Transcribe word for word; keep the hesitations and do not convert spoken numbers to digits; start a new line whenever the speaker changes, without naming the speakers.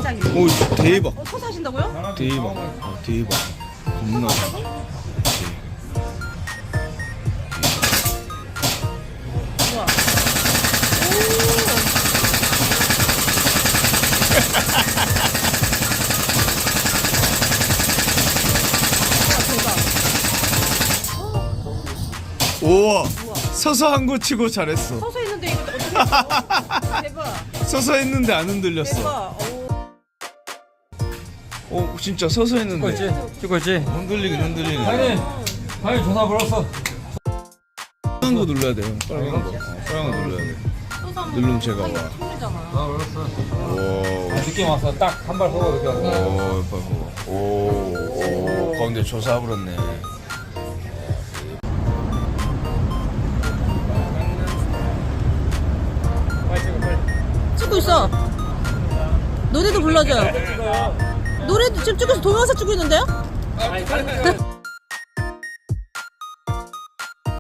대장님.
오 대박.
어, 서서 하신다고요?
대박. 아, 대박. 겁나 잘해.
우와. 오.
우와.
우와.
서서 한 거 치고 잘했어.
서서 했는데 이거 어떻게 했어? 대박.
서서 했는데 안 흔들렸어.
대박. 오.
어 진짜 서서 했는데.
찍고 있지? 찍고 있지?
흔들리긴 흔들리네.
당연히 당연히 전화 걸었어.
빨간 거 눌러야 돼요. 빨간 거. 어, 빨간 거 눌러야 돼.
서서 하면
누르면 제가 와.
잖아
전화 걸었어.
오.
아, 느낌 왔어. 딱 한 발 서고 느낌 왔어.
오, 봐봐. 오, 오, 가운데 조사버렸네.
찍고 있어. 노래도 불러줘요. 노래도 지금 찍고 있어. 동영상 찍고 있는데요?